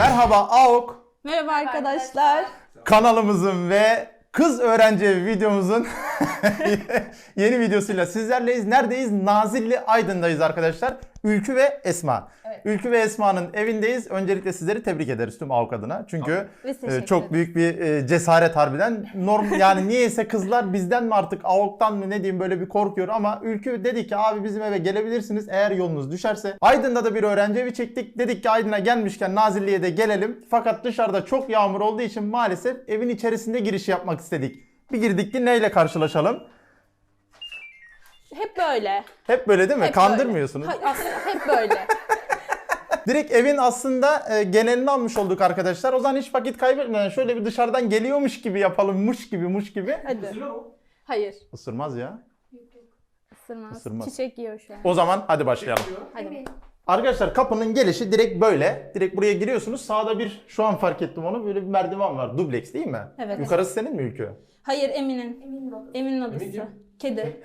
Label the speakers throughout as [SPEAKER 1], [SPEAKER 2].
[SPEAKER 1] Merhaba AOK
[SPEAKER 2] Merhaba arkadaşlar.
[SPEAKER 1] kanalımızın ve kız öğrenci evi videomuzun yeni videosuyla sizlerleyiz. Neredeyiz? Nazilli Aydın'dayız arkadaşlar. Ülkü ve Esma.
[SPEAKER 3] Evet.
[SPEAKER 1] Ülkü ve Esma'nın evindeyiz. Öncelikle sizleri tebrik ederiz tüm AOK adına. Çünkü
[SPEAKER 2] Biz teşekkür
[SPEAKER 1] çok
[SPEAKER 2] ederiz.
[SPEAKER 1] büyük bir cesaret harbiden. Yani niyeyse kızlar bizden mi artık AOK'tan mı ne diyeyim böyle bir korkuyor ama Ülkü dedi ki abi bizim eve gelebilirsiniz eğer yolunuz düşerse. Aydın'da da bir öğrenci evi çektik. Dedik ki Aydın'a gelmişken Nazilli'ye de gelelim. Fakat dışarıda çok yağmur olduğu için maalesef evin içerisinde giriş yapmak istedik. Bir girdik ki neyle karşılaşalım?
[SPEAKER 2] Hep böyle.
[SPEAKER 1] Hep böyle değil mi?
[SPEAKER 2] Hep
[SPEAKER 1] Kandırmıyorsunuz.
[SPEAKER 2] Böyle. Hayır, aslında hep böyle.
[SPEAKER 1] Direkt evin aslında genelini almış olduk arkadaşlar. O zaman hiç vakit kaybetmeden şöyle bir dışarıdan geliyormuş gibi yapalım. Muş gibi.
[SPEAKER 2] Hadi. Hayır.
[SPEAKER 1] Isırmaz ya.
[SPEAKER 2] Isırmaz.
[SPEAKER 1] Isırmaz.
[SPEAKER 2] Çiçek yiyor şu an.
[SPEAKER 1] O zaman hadi başlayalım.
[SPEAKER 2] Hadi.
[SPEAKER 1] Arkadaşlar kapının gelişi direkt böyle. Direkt buraya giriyorsunuz. Sağda bir şu an fark ettim onu. Böyle bir merdiven var. Dubleks değil mi?
[SPEAKER 2] Evet.
[SPEAKER 1] Yukarısı senin mi Ülkü?
[SPEAKER 2] Hayır Emin'in. Emin'in odası. Kedi.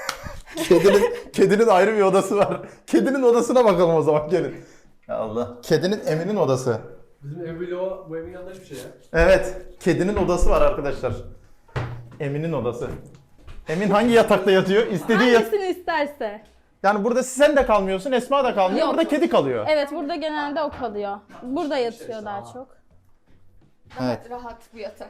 [SPEAKER 1] Kedinin ayrı bir odası var. Kedinin odasına bakalım o zaman gelin. Ya Allah. Kedinin Emin'in odası.
[SPEAKER 4] Bizim ev bloğu bu evin yanında hiçbir şey ya.
[SPEAKER 1] Evet. Kedinin odası var arkadaşlar. Emin'in odası. Emin hangi yatakta yatıyor? İstediği
[SPEAKER 2] Hangisini isterse.
[SPEAKER 1] Yani burada sen de kalmıyorsun, Esma da kalmıyor.
[SPEAKER 2] Yok.
[SPEAKER 1] Burada kedi kalıyor.
[SPEAKER 2] Evet burada genelde o kalıyor. Burada yatıyor daha çok.
[SPEAKER 1] Evet.
[SPEAKER 3] Rahat bu yatak.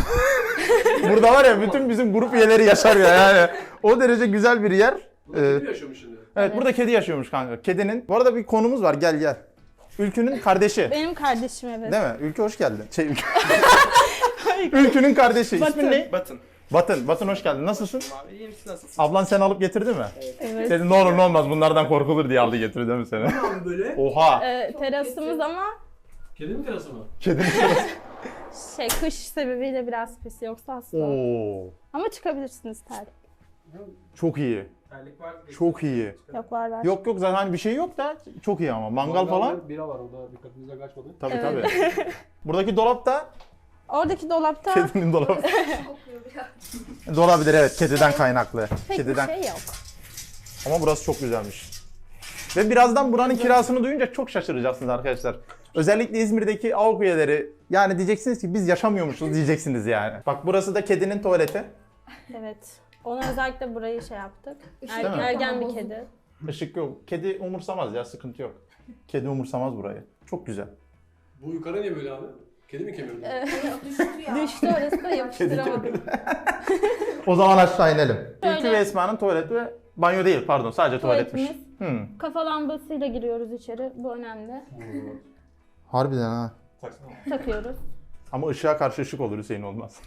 [SPEAKER 1] Burada var ya bütün bizim grup üyeleri yaşar ya yani. O derece güzel bir yer.
[SPEAKER 4] Burada kim yaşıyormuş şimdi?
[SPEAKER 1] Evet burada kedi yaşıyormuş kanka. Kedinin. Bu arada bir konumuz var gel. Ülkü'nün kardeşi.
[SPEAKER 2] Benim kardeşim evet.
[SPEAKER 1] Değil mi? Ülkü hoş geldin. Ülkü'nün kardeşi. İsmin
[SPEAKER 2] Batın.
[SPEAKER 1] ne?
[SPEAKER 5] Batın.
[SPEAKER 1] Batın hoş geldin. Nasılsın?
[SPEAKER 5] Abi iyiyim, siz nasılsınız?
[SPEAKER 1] Ablan seni alıp getirdi mi?
[SPEAKER 2] Evet.
[SPEAKER 1] Dedi ne olur ne olmaz bunlardan korkulur diye aldı getirdi değil mi seni?
[SPEAKER 4] Ne abi böyle?
[SPEAKER 1] Oha.
[SPEAKER 2] Terasımız ama
[SPEAKER 4] Kedi mi terası mı?
[SPEAKER 1] Kedinin
[SPEAKER 2] kış sebebiyle biraz pis yoksa hasta.
[SPEAKER 1] Oo.
[SPEAKER 2] Ama çıkabilirsiniz terlik.
[SPEAKER 1] Çok iyi.
[SPEAKER 5] Terlik var.
[SPEAKER 1] Çok iyi.
[SPEAKER 2] Yok var.
[SPEAKER 1] Yok zaten hani bir şey yok da çok iyi ama mangal falan.
[SPEAKER 4] Bira var orada dikkatinizden kaçmadı.
[SPEAKER 1] Tabii
[SPEAKER 2] Evet.
[SPEAKER 1] tabii. Buradaki dolap da
[SPEAKER 2] Oradaki dolapta
[SPEAKER 1] kedinin dolabı.
[SPEAKER 3] Kokuyor biraz.
[SPEAKER 1] Olabilir evet kediden kaynaklı.
[SPEAKER 2] pek
[SPEAKER 1] Kediden.
[SPEAKER 2] bir şey yok.
[SPEAKER 1] Ama burası çok güzelmiş. Ve birazdan buranın kirasını duyunca çok şaşıracaksınız arkadaşlar. Özellikle İzmir'deki AOK üyeleri yani diyeceksiniz ki biz yaşamıyormuşuz diyeceksiniz yani. Bak burası da kedinin tuvaleti.
[SPEAKER 2] Evet. Ona özellikle burayı şey yaptık.
[SPEAKER 1] Değil mi?
[SPEAKER 2] Ergen bir kedi.
[SPEAKER 1] Işık yok. Kedi umursamaz ya sıkıntı yok. Kedi umursamaz burayı. Çok güzel.
[SPEAKER 4] Bu yukarı niye böyle abi? Kedi mi kemirdi?
[SPEAKER 3] Düştü ya.
[SPEAKER 2] Düştü orası da yapıştıramadım.
[SPEAKER 1] O zaman aşağı inelim.
[SPEAKER 2] Şöyle.
[SPEAKER 1] Ülkü ve Esma'nın tuvaleti ve banyo değil pardon sadece tuvaletmiş.
[SPEAKER 2] Tuvaletimiz. Kafa lambasıyla giriyoruz içeri. Bu önemli.
[SPEAKER 1] Harbiden ha.
[SPEAKER 2] Takıyoruz.
[SPEAKER 1] Ama ışığa karşı ışık olur Hüseyin olmaz.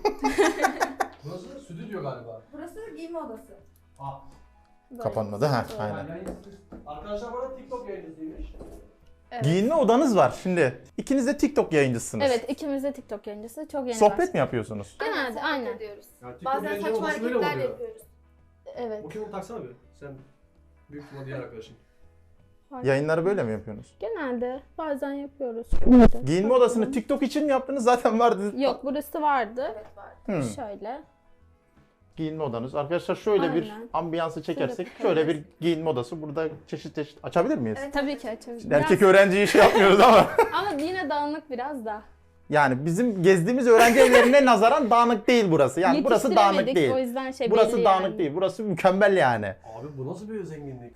[SPEAKER 4] Burası stüdyo galiba.
[SPEAKER 3] Burası giyinme odası.
[SPEAKER 2] Böyle.
[SPEAKER 1] Kapanmadı ha
[SPEAKER 2] Böyle.
[SPEAKER 1] aynen.
[SPEAKER 4] Arkadaşlar bana TikTok yayıncısıymış.
[SPEAKER 2] Evet.
[SPEAKER 1] Giyinme odanız var şimdi. İkiniz de TikTok yayıncısınız.
[SPEAKER 2] Evet ikimiz de TikTok yayıncısı. Çok yeni
[SPEAKER 1] Sohbet
[SPEAKER 2] başladık.
[SPEAKER 1] mi yapıyorsunuz?
[SPEAKER 2] Genelde,
[SPEAKER 3] sohbet
[SPEAKER 2] aynen.
[SPEAKER 3] ediyoruz.
[SPEAKER 4] Ya TikTok
[SPEAKER 3] Bazen
[SPEAKER 4] yayıncı
[SPEAKER 3] saçma
[SPEAKER 4] olması böyle mi
[SPEAKER 3] hareketler
[SPEAKER 4] oluyor?
[SPEAKER 3] yapıyoruz.
[SPEAKER 2] Evet.
[SPEAKER 4] Bu kim onu taksana bir. Sen büyük ihtimal diğer arkadaşın.
[SPEAKER 1] Yayınları böyle mi yapıyorsunuz?
[SPEAKER 2] Genelde bazen yapıyoruz.
[SPEAKER 1] Giyinme odasını TikTok için mi yaptınız? Zaten vardı.
[SPEAKER 2] Yok burası vardı.
[SPEAKER 3] Evet var.
[SPEAKER 1] Hmm.
[SPEAKER 2] Şöyle.
[SPEAKER 1] Giyinme odanız. Arkadaşlar şöyle bir
[SPEAKER 2] Aynen.
[SPEAKER 1] ambiyansı çekersek
[SPEAKER 2] Şöyle
[SPEAKER 1] şöyle bir giyinme odası. Burada çeşit açabilir miyiz?
[SPEAKER 3] Evet.
[SPEAKER 2] Tabii ki açabiliriz.
[SPEAKER 1] Erkek öğrenciyi şey yapmıyoruz ama.
[SPEAKER 2] Ama yine dağınık biraz da.
[SPEAKER 1] Yani bizim gezdiğimiz öğrenci evlerine nazaran dağınık değil burası. Yani burası dağınık
[SPEAKER 2] Yetiştiremedik,
[SPEAKER 1] değil.
[SPEAKER 2] O yüzden şey
[SPEAKER 1] Burası
[SPEAKER 2] belli
[SPEAKER 1] dağınık
[SPEAKER 2] yani.
[SPEAKER 1] değil. Burası mükemmel yani.
[SPEAKER 4] Abi bu nasıl bir zenginlik?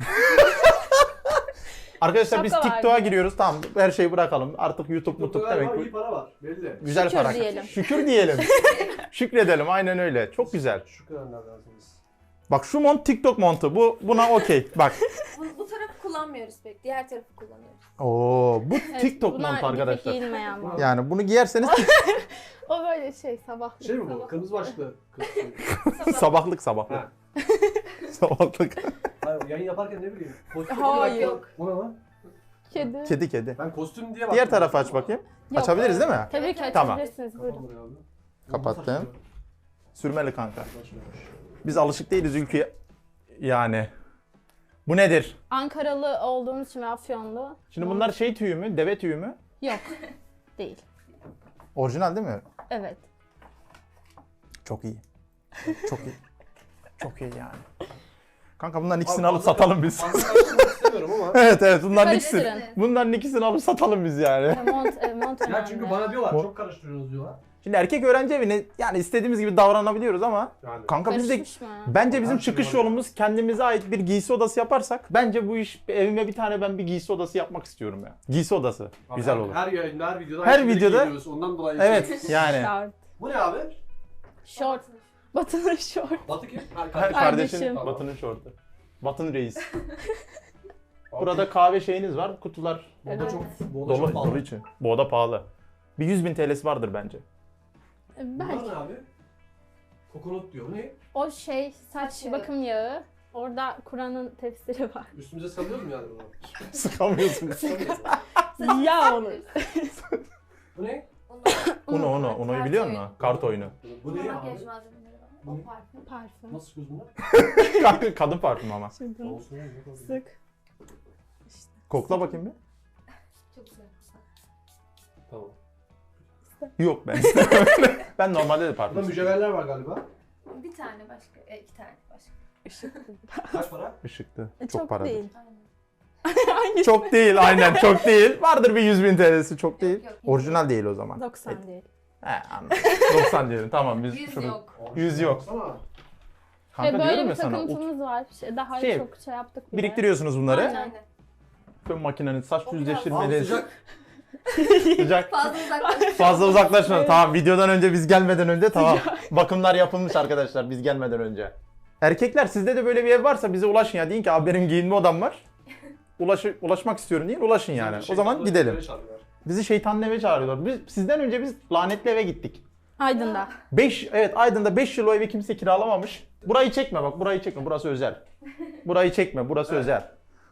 [SPEAKER 1] Arkadaşlar biz
[SPEAKER 2] Şaka var
[SPEAKER 1] TikTok'a
[SPEAKER 2] bir de.
[SPEAKER 1] giriyoruz. Tamam her şeyi bırakalım. Artık YouTube
[SPEAKER 4] TikTok'ta
[SPEAKER 1] demek
[SPEAKER 4] galiba
[SPEAKER 1] bu.
[SPEAKER 4] iyi para var. Belli.
[SPEAKER 1] Güzel
[SPEAKER 2] Şükür
[SPEAKER 1] para.
[SPEAKER 2] diyelim.
[SPEAKER 1] Şükür diyelim. Şükredelim aynen öyle. Çok güzel.
[SPEAKER 4] Şu kadar lazımız.
[SPEAKER 1] Bak şu mont TikTok montu. Buna okey. Bak.
[SPEAKER 3] Bu tarafı kullanmıyoruz pek. Diğer tarafı kullanıyoruz.
[SPEAKER 1] Oo bu
[SPEAKER 2] Evet,
[SPEAKER 1] TikTok
[SPEAKER 2] bunlar
[SPEAKER 1] montu arkadaşlar.
[SPEAKER 2] bir giyinmeyen mont.
[SPEAKER 1] Yani bunu giyerseniz
[SPEAKER 2] O böyle şey sabahlık.
[SPEAKER 4] Şey mi bu?
[SPEAKER 2] sabah.
[SPEAKER 4] Kırmızı başlıklı.
[SPEAKER 1] sabahlık.
[SPEAKER 4] Ha.
[SPEAKER 1] Sabahlık.
[SPEAKER 4] Hayır, yayın yaparken ne bileyim. Kostüm
[SPEAKER 2] Hayır.
[SPEAKER 3] Yok.
[SPEAKER 4] O ne lan?
[SPEAKER 2] Kedi.
[SPEAKER 1] Kedi.
[SPEAKER 4] Ben kostüm diye baktım.
[SPEAKER 1] Diğer tarafı aç bakayım.
[SPEAKER 2] Yok,
[SPEAKER 1] Açabiliriz değil mi?
[SPEAKER 2] Tabii ki
[SPEAKER 1] Tamam.
[SPEAKER 2] açabilirsiniz. Buyurun.
[SPEAKER 4] Kapan burayı abi.
[SPEAKER 1] Kapattım. Sürmeli kanka.
[SPEAKER 4] Başlıyormuş.
[SPEAKER 1] Biz alışık değiliz ülkeye. Yani. Bu nedir?
[SPEAKER 2] Ankaralı olduğumuz için ve Afyonlu.
[SPEAKER 1] Şimdi bunlar şey tüyü mü? Deve tüyü mü?
[SPEAKER 2] Yok. Değil.
[SPEAKER 1] Orijinal değil mi?
[SPEAKER 2] Evet.
[SPEAKER 1] Çok iyi. Çok iyi. Çok iyi yani. Kanka bunların ikisini
[SPEAKER 4] Abi
[SPEAKER 1] alıp
[SPEAKER 4] fazla-
[SPEAKER 1] satalım biz.
[SPEAKER 4] Fazla karıştırmak istemiyorum ama.
[SPEAKER 1] Evet bunların ikisini.
[SPEAKER 2] Karıştırın.
[SPEAKER 1] Bunların ikisini alıp satalım biz yani.
[SPEAKER 2] Mont
[SPEAKER 4] Ya
[SPEAKER 2] önemli.
[SPEAKER 4] çünkü bana diyorlar
[SPEAKER 1] O-
[SPEAKER 4] çok karıştırıyorsunuz diyorlar.
[SPEAKER 1] Şimdi erkek öğrenci evine yani istediğimiz gibi davranabiliyoruz ama
[SPEAKER 4] Yani.
[SPEAKER 1] kanka biz de
[SPEAKER 2] Karışmış mı?
[SPEAKER 1] bence bizim
[SPEAKER 4] Her şey
[SPEAKER 1] çıkış
[SPEAKER 4] var.
[SPEAKER 1] yolumuz kendimize ait bir giysi odası yaparsak bence bu iş evime bir tane ben bir giysi odası yapmak istiyorum ya. Giysi odası.
[SPEAKER 4] Abi
[SPEAKER 1] Güzel
[SPEAKER 4] her-
[SPEAKER 1] olur.
[SPEAKER 4] Her yayında, her videoda.
[SPEAKER 1] Her
[SPEAKER 4] aynı şeyleri
[SPEAKER 1] videoda-
[SPEAKER 4] giyiyoruz. Ondan dolayı.
[SPEAKER 1] Evet yani.
[SPEAKER 2] Short.
[SPEAKER 4] Bu ne abi?
[SPEAKER 2] Short. Batı'nın short.
[SPEAKER 4] Batı kim? Ha,
[SPEAKER 1] Kardeşin
[SPEAKER 2] Kardeşim.
[SPEAKER 1] Batı'nın şortu. Batı'nın reis. Burada kahve şeyiniz var. Kutular
[SPEAKER 4] Bu da
[SPEAKER 2] Evet.
[SPEAKER 4] çok, bu da çok
[SPEAKER 1] dolu,
[SPEAKER 4] pahalı.
[SPEAKER 1] dolu için. Bu oda pahalı. Bir 100.000 TL'si vardır bence.
[SPEAKER 4] Bunlar
[SPEAKER 2] Belki.
[SPEAKER 4] ne abi? Kokonut diyor. Bu ne?
[SPEAKER 2] O şey saç
[SPEAKER 3] yağı.
[SPEAKER 2] bakım yağı. Orada Kur'an'ın tefsiri var.
[SPEAKER 4] Üstümüze salıyoruz mu yani bunu?
[SPEAKER 1] Sıkamıyorsunuz.
[SPEAKER 2] Ya olur.
[SPEAKER 4] Bu ne?
[SPEAKER 1] Uno'yu biliyor musun? Kart oyunu.
[SPEAKER 4] Bu
[SPEAKER 3] Bu
[SPEAKER 4] ne
[SPEAKER 3] makyaj
[SPEAKER 4] abi?
[SPEAKER 3] malzemeleri var.
[SPEAKER 4] Bu
[SPEAKER 3] O
[SPEAKER 4] ne?
[SPEAKER 3] parfüm.
[SPEAKER 2] Parfüm.
[SPEAKER 4] Nasıl çıkıyoruz bunlar?
[SPEAKER 1] Kadın parfümü ama.
[SPEAKER 2] Şimdi
[SPEAKER 4] Olsun. yok olsun.
[SPEAKER 2] sık.
[SPEAKER 1] Kokla bakayım bir.
[SPEAKER 3] Çok güzel.
[SPEAKER 4] Tamam.
[SPEAKER 1] Yok ben. ben normalde de
[SPEAKER 4] Burada
[SPEAKER 1] parfüm.
[SPEAKER 4] mücevherler var galiba.
[SPEAKER 3] Bir tane başka. İki tane başka.
[SPEAKER 4] Kaç para?
[SPEAKER 1] Işıktı.
[SPEAKER 2] Çok,
[SPEAKER 1] Çok para.
[SPEAKER 2] değil.
[SPEAKER 3] Aynen.
[SPEAKER 1] Çok değil aynen çok değil. Vardır bir 100.000 TL'si çok değil.
[SPEAKER 3] yok.
[SPEAKER 1] Orijinal değil o zaman.
[SPEAKER 2] 90 değil.
[SPEAKER 1] He anladım. 90 diyelim tamam biz
[SPEAKER 3] 100
[SPEAKER 1] şunu.
[SPEAKER 3] yok.
[SPEAKER 1] 100 yok.
[SPEAKER 4] Baksana.
[SPEAKER 1] Kanka
[SPEAKER 2] Ve böyle
[SPEAKER 1] diyorum
[SPEAKER 2] bir
[SPEAKER 1] ya sana.
[SPEAKER 2] takıntımız var. Daha
[SPEAKER 1] Şey,
[SPEAKER 2] çok şey yaptık bile.
[SPEAKER 1] Biriktiriyorsunuz bunları.
[SPEAKER 2] Aynen.
[SPEAKER 1] Böyle makinenin saç
[SPEAKER 3] O biraz
[SPEAKER 1] düzleştirmeli.
[SPEAKER 4] Sıcak.
[SPEAKER 1] Sıcak.
[SPEAKER 3] Fazla uzaklaşıyor.
[SPEAKER 1] Fazla uzaklaşma. Tamam videodan önce biz gelmeden önce tamam. Bakımlar yapılmış arkadaşlar biz gelmeden önce. Erkekler sizde de böyle bir ev varsa bize ulaşın ya. Deyin ki abi benim giyinme odam var. Ulaşmak istiyorum deyin ulaşın yani. O zaman gidelim. Bizi şeytanın eve çağırıyorlar. Sizden önce biz lanetli eve gittik.
[SPEAKER 2] Aydın'da.
[SPEAKER 1] 5 evet Aydın'da 5 yıl o evi kimse kiralamamış. Burayı çekme bak burayı çekme burası özel. Burayı çekme burası
[SPEAKER 4] Evet.
[SPEAKER 1] özel.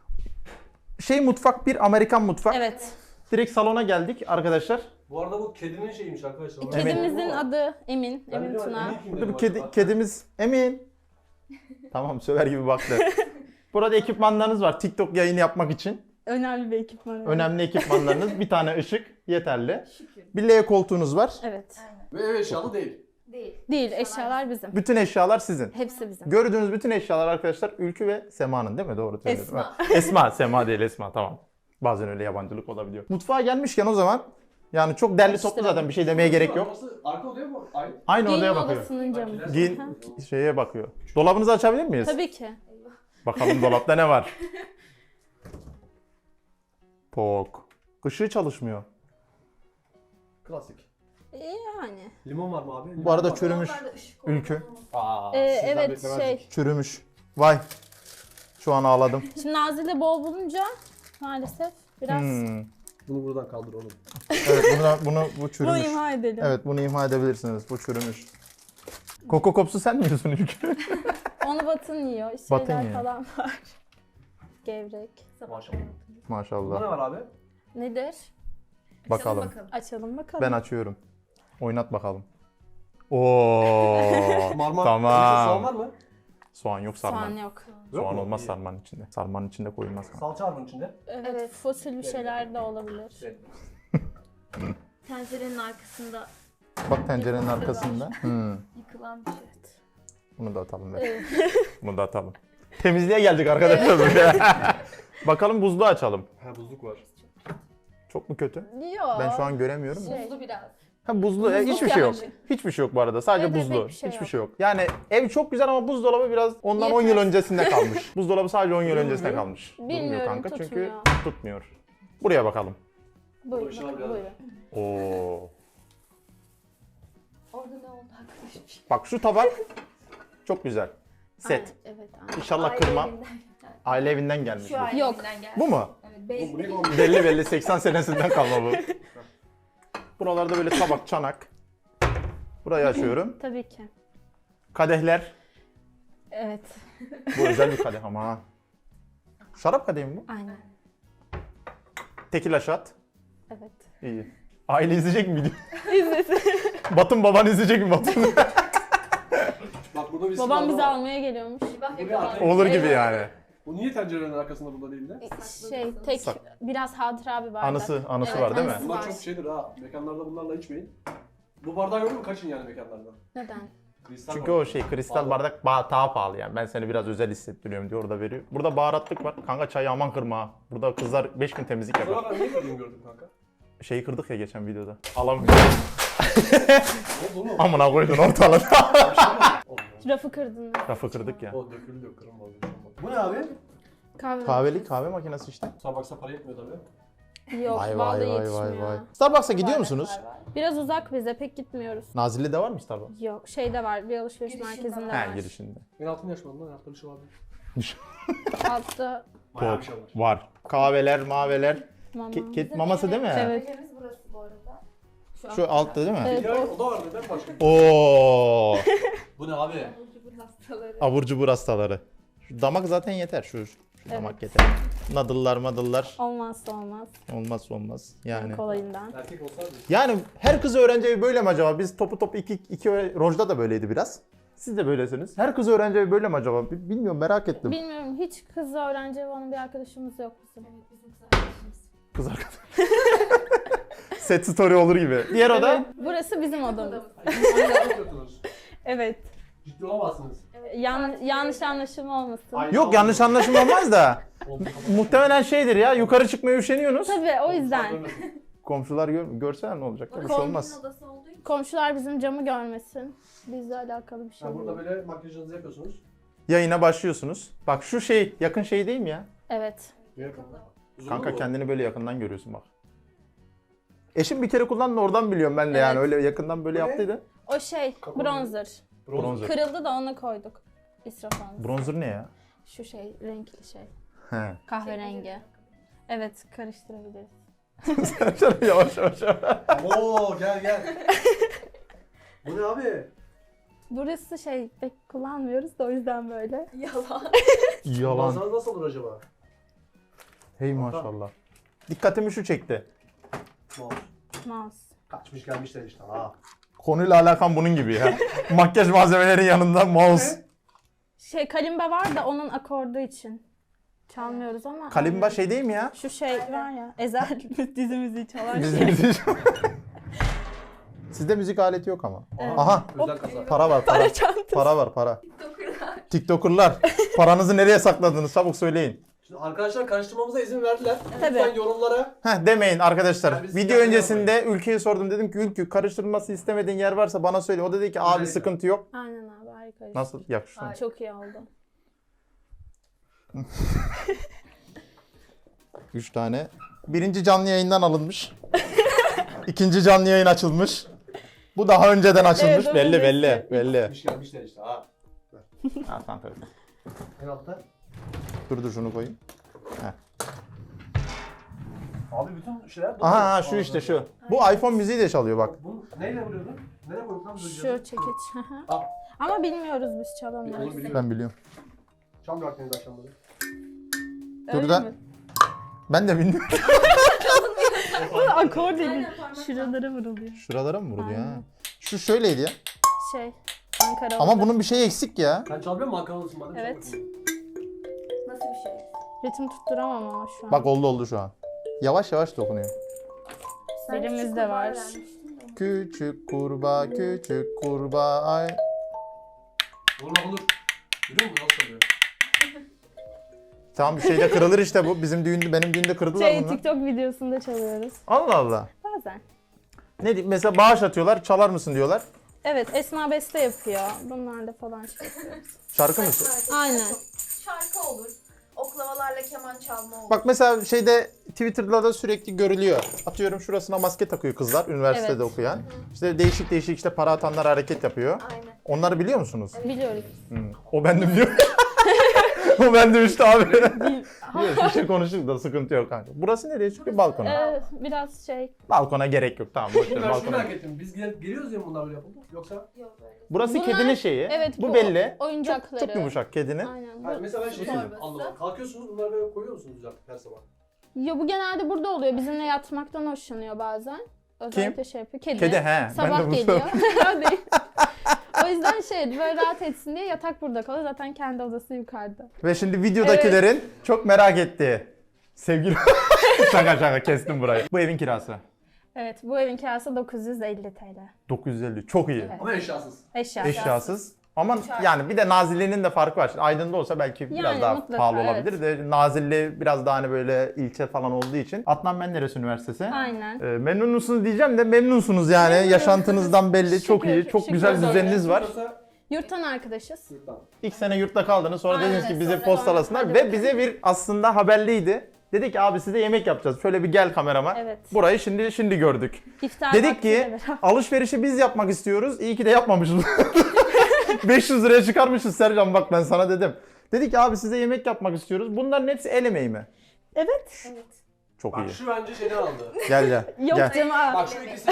[SPEAKER 1] Mutfak bir Amerikan mutfak.
[SPEAKER 2] Evet.
[SPEAKER 1] Direkt salona geldik arkadaşlar.
[SPEAKER 4] Bu arada bu kedinin şeyiymiş arkadaşlar.
[SPEAKER 2] Kedimizin adı Emin.
[SPEAKER 4] Ben
[SPEAKER 2] Emin
[SPEAKER 4] biliyorum,
[SPEAKER 2] Tuna.
[SPEAKER 4] Emin kim
[SPEAKER 1] Burada
[SPEAKER 4] dedim
[SPEAKER 1] bir
[SPEAKER 4] acaba?
[SPEAKER 1] kedimiz Emin. Tamam söver gibi baktı. Burada ekipmanlarınız var TikTok yayını yapmak için.
[SPEAKER 2] Önemli bir ekipman. evet.
[SPEAKER 1] Önemli ekipmanlarınız. Bir tane ışık yeterli.
[SPEAKER 3] Şükür.
[SPEAKER 1] Bir L koltuğunuz var.
[SPEAKER 2] Evet.
[SPEAKER 3] Aynen.
[SPEAKER 4] Ve ev eşyalı değil.
[SPEAKER 3] Değil.
[SPEAKER 2] Değil, eşyalar bizim.
[SPEAKER 1] Bütün eşyalar sizin.
[SPEAKER 2] Hepsi bizim.
[SPEAKER 1] Gördüğünüz bütün eşyalar arkadaşlar Ülkü ve Sema'nın değil mi? Doğru söyledim.
[SPEAKER 2] Esma.
[SPEAKER 1] Ha, Esma, Sema değil Esma tamam. Bazen öyle yabancılık olabiliyor. Mutfağa gelmişken o zaman yani çok derli toplu zaten bir şey demeye gerek yok.
[SPEAKER 4] Burası arka odaya mı? Aynı.
[SPEAKER 1] Aynı
[SPEAKER 2] Giyinme
[SPEAKER 1] odaya bakıyor.
[SPEAKER 2] odasının camı.
[SPEAKER 4] Bak,
[SPEAKER 1] Giyin
[SPEAKER 2] Aha.
[SPEAKER 1] şeye bakıyor. Dolabınızı açabilir miyiz?
[SPEAKER 2] Tabii ki.
[SPEAKER 1] Bakalım dolapta ne var? Pok. Işığı çalışmıyor.
[SPEAKER 4] Klasik.
[SPEAKER 2] Yani.
[SPEAKER 4] Limon var mı abi?
[SPEAKER 1] Bu arada çürümüş.
[SPEAKER 3] Dolaplarda ışık
[SPEAKER 1] Ülkü.
[SPEAKER 3] olmaz.
[SPEAKER 4] Aa,
[SPEAKER 2] Evet şey.
[SPEAKER 1] Çürümüş. Vay. Şu an ağladım.
[SPEAKER 2] Şimdi Nazil'de bol bulunca maalesef biraz
[SPEAKER 4] Bunu buradan kaldır oğlum.
[SPEAKER 1] Evet bu
[SPEAKER 2] bunu
[SPEAKER 1] çürümüş.
[SPEAKER 2] imha edelim.
[SPEAKER 1] Evet bunu imha edebilirsiniz. Bu çürümüş. Koko Kops'u sen mi yiyorsun Ülkü?
[SPEAKER 2] Onu Batın yiyor.
[SPEAKER 1] Batın
[SPEAKER 2] Şeyler
[SPEAKER 1] yiyor.
[SPEAKER 2] falan var. Gevrek.
[SPEAKER 4] Maşallah. Burada
[SPEAKER 1] Maşallah.
[SPEAKER 4] ne var abi?
[SPEAKER 2] Nedir?
[SPEAKER 1] Bakalım.
[SPEAKER 2] Açalım bakalım.
[SPEAKER 1] Ben açıyorum. Oynat bakalım. Oo.
[SPEAKER 4] Marmar.
[SPEAKER 1] Tamam.
[SPEAKER 4] Soğan var mı?
[SPEAKER 1] Soğan yok sarman.
[SPEAKER 2] Soğan yok.
[SPEAKER 1] Soğan
[SPEAKER 4] mu?
[SPEAKER 1] olmaz
[SPEAKER 4] İyi.
[SPEAKER 1] sarmanın içinde. Sarmanın içinde koyulmaz.
[SPEAKER 4] Salça var bunun içinde.
[SPEAKER 2] Evet, fosil bir şeyler de olabilir.
[SPEAKER 4] Evet.
[SPEAKER 3] Tencerenin arkasında
[SPEAKER 1] Bak tencerenin arkasında.
[SPEAKER 3] yıkılan bir şey.
[SPEAKER 1] Bunu da atalım. Be.
[SPEAKER 2] Evet.
[SPEAKER 1] Bunu da atalım. Temizliğe geldik arkadaşlar buraya. Bakalım buzluğu açalım.
[SPEAKER 4] Ha buzluk var.
[SPEAKER 1] Çok mu kötü?
[SPEAKER 2] Yok.
[SPEAKER 1] Ben şu an göremiyorum. da.
[SPEAKER 2] Şey.
[SPEAKER 3] Buzlu biraz.
[SPEAKER 1] Ha buzlu.
[SPEAKER 2] Buzluk
[SPEAKER 1] Hiçbir şey yok.
[SPEAKER 2] yani.
[SPEAKER 1] Hiçbir şey yok bu arada. Sadece
[SPEAKER 2] Evet,
[SPEAKER 1] buzlu.
[SPEAKER 2] pek bir şey
[SPEAKER 1] Hiçbir
[SPEAKER 2] yok.
[SPEAKER 1] şey yok. Yani ev çok güzel ama buzdolabı biraz ondan 10 yıl
[SPEAKER 2] Yeter.
[SPEAKER 1] öncesinde kalmış. Buzdolabı sadece 10 yıl
[SPEAKER 4] Durmuyor.
[SPEAKER 1] öncesinde kalmış.
[SPEAKER 2] Bilmiyorum,
[SPEAKER 1] Durmuyor kanka çünkü
[SPEAKER 2] tutmuyor.
[SPEAKER 1] tutmuyor. Buraya bakalım.
[SPEAKER 2] Buyurun,
[SPEAKER 4] Başına
[SPEAKER 2] bakın,
[SPEAKER 4] biraz-
[SPEAKER 2] buyurun.
[SPEAKER 1] Oo.
[SPEAKER 3] Orada ne oldu arkadaşım?
[SPEAKER 1] Bak şu tabak çok güzel. Set.
[SPEAKER 2] Aynen, evet, aynen.
[SPEAKER 1] İnşallah
[SPEAKER 3] Aile
[SPEAKER 1] kırmam.
[SPEAKER 3] evinden.
[SPEAKER 1] Aile evinden gelmiş.
[SPEAKER 3] Şu
[SPEAKER 1] bu.
[SPEAKER 3] aile
[SPEAKER 2] Yok.
[SPEAKER 3] evinden geldi.
[SPEAKER 1] Bu mu?
[SPEAKER 3] Evet,
[SPEAKER 4] Bu
[SPEAKER 3] basic.
[SPEAKER 4] ne kombi?
[SPEAKER 1] Belli 80 senesinden kalma bu. Buralarda böyle tabak, çanak. Burayı açıyorum.
[SPEAKER 2] Tabii ki.
[SPEAKER 1] Kadehler.
[SPEAKER 2] Evet,
[SPEAKER 1] Bu özel bir kadeh ama ha. Şarap kadehi mi bu?
[SPEAKER 2] aynen.
[SPEAKER 1] Tekila shot.
[SPEAKER 2] Evet.
[SPEAKER 1] İyi. Aile izleyecek mi video?
[SPEAKER 2] İzlesin.
[SPEAKER 1] Batın baban izleyecek mi Batın?
[SPEAKER 4] Bak burada bir
[SPEAKER 2] Babam
[SPEAKER 4] sıvı
[SPEAKER 2] bizi
[SPEAKER 4] var.
[SPEAKER 2] almaya geliyormuş.
[SPEAKER 3] Bak
[SPEAKER 4] Bu bir
[SPEAKER 3] yakalar.
[SPEAKER 4] arkaya-
[SPEAKER 1] Olur gibi
[SPEAKER 2] Evet.
[SPEAKER 1] yani.
[SPEAKER 4] Bu niye tencerenin arkasında burada değil de?
[SPEAKER 2] Şey, tek
[SPEAKER 1] Sak-
[SPEAKER 2] biraz hatıra bir bardak.
[SPEAKER 1] Anısı
[SPEAKER 2] Evet,
[SPEAKER 1] var değil mi?
[SPEAKER 2] anısı
[SPEAKER 4] Bunlar
[SPEAKER 2] var.
[SPEAKER 4] çok şeydir ha. Mekanlarda bunlarla içmeyin. Bu bardağı gördün mü? Kaçın yani mekanlardan.
[SPEAKER 2] Neden?
[SPEAKER 4] Kristal
[SPEAKER 1] Çünkü o şey kristal bardak daha pahalı yani. Ben seni biraz özel hissettiriyorum diyor orada veriyor. Burada baharatlık var. Kanka çayı aman kırma ha. Burada kızlar 5 gün temizlik yapar.
[SPEAKER 4] Sonra ben niye gördüm gördüm kanka?
[SPEAKER 1] Şeyi kırdık ya geçen videoda. Alamıyorum.
[SPEAKER 4] Ne oldu oğlum?
[SPEAKER 1] Amına koydun ortalığı.
[SPEAKER 4] Oldu.
[SPEAKER 2] Rafı kırdın.
[SPEAKER 1] Rafı kırdık ya.
[SPEAKER 4] O döküldü yok kırılmadı. Bu ne abi?
[SPEAKER 1] Kahve makinesi işte.
[SPEAKER 4] Starbucks'a para yetmiyor tabii.
[SPEAKER 2] Yok vallahi yetişmiyor.
[SPEAKER 1] Starbucks'a gidiyor musunuz?
[SPEAKER 2] Biraz uzak bize pek gitmiyoruz.
[SPEAKER 1] Nazilli'de var mı Starbucks?
[SPEAKER 2] Yok şeyde var bir alışveriş
[SPEAKER 3] Girişinde
[SPEAKER 2] merkezinde
[SPEAKER 3] var.
[SPEAKER 2] var.
[SPEAKER 1] He girişinde.
[SPEAKER 4] Ben altın yaşmadım lan. Hayatta bir şey vardı.
[SPEAKER 2] Altta
[SPEAKER 4] Bayağı bir şey var.
[SPEAKER 1] Var. Kahveler, maveler.
[SPEAKER 2] mama.
[SPEAKER 1] Kedi maması değil mi?
[SPEAKER 2] Evet.
[SPEAKER 3] Evimiz burası bu arada.
[SPEAKER 1] Şu altta değil mi?
[SPEAKER 2] Evet.
[SPEAKER 4] Ya o da var neden başka?
[SPEAKER 1] Oo.
[SPEAKER 4] Bu ne abi?
[SPEAKER 3] Bu hastaları.
[SPEAKER 1] Abur cubur hastaları. Şu damak zaten yeter. Şu damak yeter. Nadıllar madıllar.
[SPEAKER 2] Olmazsa olmaz.
[SPEAKER 1] Olmaz. Yani.
[SPEAKER 2] Kolayından.
[SPEAKER 4] Erkek olsaydı.
[SPEAKER 1] Yani her kız öğrenci evi böyle mi acaba? Biz topu iki Rojda da böyleydi biraz. Siz de böylesiniz. Her kız öğrenci evi böyle mi acaba? Bilmiyorum merak ettim.
[SPEAKER 2] Bilmiyorum hiç kız öğrenci evi olan bir arkadaşımız yok bizim.
[SPEAKER 3] Evet bizim kız arkadaşımız.
[SPEAKER 1] Kız arkadaş. Set story olur gibi. Diğer oda.
[SPEAKER 2] Burası bizim odamız.
[SPEAKER 4] Yapıyorsunuz.
[SPEAKER 2] Evet.
[SPEAKER 4] Ciddi olamazsınız.
[SPEAKER 2] Yanlış anlaşılma olmasın.
[SPEAKER 4] Ay-
[SPEAKER 1] Yok yanlış anlaşılma olmaz da.
[SPEAKER 4] Oldu.
[SPEAKER 1] Muhtemelen şeydir ya yukarı çıkmaya üşeniyorsunuz.
[SPEAKER 2] Tabii o yüzden.
[SPEAKER 1] Komşular görseler ne olacak? Bir şey olmaz.
[SPEAKER 3] Komşunun odası olduğu için.
[SPEAKER 2] Komşular bizim camı görmesin. Bizle alakalı bir şey
[SPEAKER 4] Ha, burada
[SPEAKER 2] değil.
[SPEAKER 4] böyle makyajınızı yapıyorsunuz.
[SPEAKER 1] Yayına başlıyorsunuz. Bak şu şey yakın şey değil mi ya?
[SPEAKER 2] Evet.
[SPEAKER 4] Niye yapıyorsunuz? Uzun
[SPEAKER 1] Kanka
[SPEAKER 4] mu?
[SPEAKER 1] kendini böyle yakından görüyorsun bak. Eşim bir kere kullandı oradan biliyorum ben de yani
[SPEAKER 2] Evet.
[SPEAKER 1] öyle yakından böyle
[SPEAKER 4] Bu ne?
[SPEAKER 1] yaptıydı.
[SPEAKER 2] O şey
[SPEAKER 4] Kapalı.
[SPEAKER 2] bronzer.
[SPEAKER 1] Bronzer.
[SPEAKER 2] Kırıldı da ona koyduk. İsraf olmasın.
[SPEAKER 1] Bronzer ne ya?
[SPEAKER 2] Şu şey renkli şey.
[SPEAKER 1] He.
[SPEAKER 2] Kahverengi. Evet karıştırabiliriz.
[SPEAKER 1] yavaş yavaş.
[SPEAKER 4] Oo gel. Bu ne abi?
[SPEAKER 2] Burası şey pek kullanmıyoruz da o yüzden böyle.
[SPEAKER 3] Yalan.
[SPEAKER 1] Yalan.
[SPEAKER 4] Manzaranız nasıl olur acaba?
[SPEAKER 1] Hey maşallah. Dikkatimi şu çekti.
[SPEAKER 4] Mouse.
[SPEAKER 2] Mouse.
[SPEAKER 4] Kaçmış gelmişler işte ha.
[SPEAKER 1] Konuyla alakam bunun gibi ya. Makyaj malzemelerinin yanında mouse.
[SPEAKER 2] Şey kalimba var da onun akordu için. Çalmıyoruz ama.
[SPEAKER 1] Kalimba şey değil mi ya?
[SPEAKER 2] Şu şey var ya. Ezel dizi müziği çalar
[SPEAKER 1] Bizim
[SPEAKER 2] şey.
[SPEAKER 1] müzik. Sizde müzik aleti yok ama.
[SPEAKER 2] Evet.
[SPEAKER 1] Aha.
[SPEAKER 4] Özel kasa.
[SPEAKER 1] Para var para.
[SPEAKER 2] Para çantası.
[SPEAKER 1] Para var para.
[SPEAKER 3] TikToker'lar.
[SPEAKER 1] TikToker'lar. Paranızı nereye sakladınız? Çabuk söyleyin.
[SPEAKER 4] Şimdi arkadaşlar karıştırmamıza izin verdiler.
[SPEAKER 2] Tabii.
[SPEAKER 4] Lütfen yorumlara.
[SPEAKER 1] Demeyin arkadaşlar.
[SPEAKER 4] Yani biz
[SPEAKER 1] Video
[SPEAKER 4] yani
[SPEAKER 1] öncesinde Ülke'ye sordum. Dedim ki Ülkü karıştırılması istemediğin yer varsa bana söyle. O dedi ki abi
[SPEAKER 4] Özellikle.
[SPEAKER 1] sıkıntı yok.
[SPEAKER 2] Aynen abi harika.
[SPEAKER 1] Nasıl? Yakıştı mı?
[SPEAKER 3] Ay.
[SPEAKER 2] Çok iyi oldu.
[SPEAKER 1] 3 tane. Birinci canlı yayından alınmış. İkinci canlı yayın açılmış. Bu daha önceden açılmış.
[SPEAKER 2] Evet,
[SPEAKER 1] belli
[SPEAKER 2] evet.
[SPEAKER 1] belli belli.
[SPEAKER 4] Gelmiş gelmişler işte ha.
[SPEAKER 1] Ha, tamam, tabii.
[SPEAKER 4] En altta.
[SPEAKER 1] Dur şunu koyayım.
[SPEAKER 4] Abi bütün şeyler...
[SPEAKER 1] Aha şu işte şu. Bu iPhone müziği de çalıyor bak.
[SPEAKER 4] Bu neyle vuruyordun? Nereye koyduk lan bu
[SPEAKER 2] Şu
[SPEAKER 4] cihazı?
[SPEAKER 2] çekiç.
[SPEAKER 4] Al.
[SPEAKER 2] Ama bilmiyoruz biz
[SPEAKER 4] Onu
[SPEAKER 2] çalamıyoruz.
[SPEAKER 4] biliyorum.
[SPEAKER 1] Ben biliyorum.
[SPEAKER 4] Çam bıraktınız akşamları.
[SPEAKER 2] Öyle
[SPEAKER 1] Dur da-
[SPEAKER 2] mi?
[SPEAKER 1] Ben de bilmiyorum.
[SPEAKER 2] Bu akor değil.
[SPEAKER 3] Aynen, parmak
[SPEAKER 2] Şuralara vuruluyor.
[SPEAKER 1] Şuralara mı vurdu ya?
[SPEAKER 2] Aynen.
[SPEAKER 1] Şu şöyleydi ya.
[SPEAKER 2] Şey. Ankara
[SPEAKER 1] Ama
[SPEAKER 2] oldu.
[SPEAKER 1] bunun bir şeyi eksik ya.
[SPEAKER 4] Sen çalmıyor musun Ankara'lısın bana?
[SPEAKER 2] Evet.
[SPEAKER 3] Nasıl bir şey?
[SPEAKER 2] Ritim tutturamam ama şu an.
[SPEAKER 1] Bak oldu şu an. Yavaş yavaş dokunuyor.
[SPEAKER 3] Ben
[SPEAKER 2] Dilimiz
[SPEAKER 3] küçük
[SPEAKER 2] de
[SPEAKER 3] kurbağa
[SPEAKER 2] var.
[SPEAKER 3] öğrenmiştim de.
[SPEAKER 1] Küçük kurbağa ay.
[SPEAKER 4] Olur. Görüyor musun nasıl çalıyor?
[SPEAKER 1] Tamam bir şeyde kırılır işte bu. Benim düğünde kırdılar
[SPEAKER 2] Şey
[SPEAKER 1] bunu.
[SPEAKER 2] TikTok videosunda çalıyoruz.
[SPEAKER 1] Allah Allah.
[SPEAKER 2] Bazen.
[SPEAKER 1] Ne diyeyim mesela bağış atıyorlar, çalar mısın diyorlar.
[SPEAKER 2] Evet Esma beste yapıyor. Bunlar da falan şey yapıyoruz.
[SPEAKER 1] Şarkı mı?
[SPEAKER 2] Aynen.
[SPEAKER 3] Şarkı olur. Oklavalarla keman çalma olur.
[SPEAKER 1] Bak mesela şeyde Twitter'da da sürekli görülüyor. Atıyorum şurasına maske takıyor kızlar üniversitede
[SPEAKER 2] Evet.
[SPEAKER 1] okuyan. İşte değişik işte para atanlar hareket yapıyor.
[SPEAKER 3] Aynen.
[SPEAKER 1] Onları biliyor musunuz?
[SPEAKER 2] Biliyoruz.
[SPEAKER 1] O bendim diyor. O bendim işte abi. Yok, bir şey konuştuk da sıkıntı yok kanka. Burası nereye çıkıyor? Balkona.
[SPEAKER 2] Biraz şey.
[SPEAKER 1] Balkona gerek yok tamam. Boş ver,
[SPEAKER 4] Ben şunu
[SPEAKER 1] balkona.
[SPEAKER 4] merak ettim. Biz geliyoruz ya bunlar böyle yapıldı. Yoksa...
[SPEAKER 3] Yok böyle.
[SPEAKER 1] Burası
[SPEAKER 2] Bunlar-
[SPEAKER 1] kedinin şeyi.
[SPEAKER 2] Evet
[SPEAKER 1] bu belli.
[SPEAKER 2] Oyuncakları.
[SPEAKER 1] Çok yumuşak kedinin.
[SPEAKER 2] Aynen.
[SPEAKER 4] Hayır, mesela ben şey
[SPEAKER 3] Torbası.
[SPEAKER 4] anlamadım. Kalkıyorsunuz bunları böyle koyuyor musunuz düzeltip her sabah?
[SPEAKER 2] Ya bu genelde burada oluyor. Bizimle yatmaktan hoşlanıyor bazen. Özellikle şey yapıyor. Kedi.
[SPEAKER 1] Kedi, he.
[SPEAKER 2] Sabah
[SPEAKER 1] Ben de bunu
[SPEAKER 2] geliyor. Değil. O yüzden şey böyle rahat etsin diye yatak burada kalıyor. Zaten kendi odası yukarıda.
[SPEAKER 1] Ve şimdi videodakilerin çok merak ettiği sevgili... şaka kestim burayı. Bu evin kirası.
[SPEAKER 2] Evet, bu evin kirası 950 TL.
[SPEAKER 1] 950 çok iyi.
[SPEAKER 2] Evet.
[SPEAKER 4] Ama eşyasız.
[SPEAKER 2] Eşya.
[SPEAKER 1] Eşyasız. Ama yani bir de nazilliğinin de farkı var. Şimdi Aydın'da olsa belki biraz
[SPEAKER 2] Yani
[SPEAKER 1] daha
[SPEAKER 2] mutlaka,
[SPEAKER 1] pahalı olabilir de Nazilli biraz daha hani böyle ilçe falan olduğu için. Adnan Menderes Üniversitesi.
[SPEAKER 2] Aynen.
[SPEAKER 1] Memnun musunuz diyeceğim de memnunsunuz yani.
[SPEAKER 2] Memnunuz.
[SPEAKER 1] Yaşantınızdan belli. Çok
[SPEAKER 2] Şükür,
[SPEAKER 1] iyi. Çok
[SPEAKER 2] şükür.
[SPEAKER 1] güzel
[SPEAKER 2] Şükür.
[SPEAKER 1] düzeniniz var.
[SPEAKER 2] Yurttan arkadaşız.
[SPEAKER 1] İlk sene yurtta kaldınız. Sonra
[SPEAKER 2] Aynen,
[SPEAKER 1] dediniz ki bizi
[SPEAKER 2] sonra-
[SPEAKER 1] postalasınlar.
[SPEAKER 2] hadi
[SPEAKER 1] Ve
[SPEAKER 2] bakalım.
[SPEAKER 1] bize bir aslında haberliydi. Dedi ki abi size yemek yapacağız. Şöyle bir gel kamerama.
[SPEAKER 2] Evet.
[SPEAKER 1] Burayı şimdi gördük.
[SPEAKER 2] İftar
[SPEAKER 1] Dedik
[SPEAKER 2] vaktiyle
[SPEAKER 1] ki
[SPEAKER 2] beraber.
[SPEAKER 1] alışverişi biz yapmak istiyoruz. İyi ki de yapmamışız. 500 liraya çıkarmışız Sercan, bak ben sana dedim. Dedik ki abi size yemek yapmak istiyoruz. Bunların hepsi el emeği mi?
[SPEAKER 2] Evet.
[SPEAKER 3] Evet.
[SPEAKER 1] Çok
[SPEAKER 4] Bak
[SPEAKER 1] iyi.
[SPEAKER 4] şu bence şeyden aldı.
[SPEAKER 1] Gel.
[SPEAKER 2] Yok
[SPEAKER 1] Gel.
[SPEAKER 2] canım.
[SPEAKER 4] Bak şu ikisi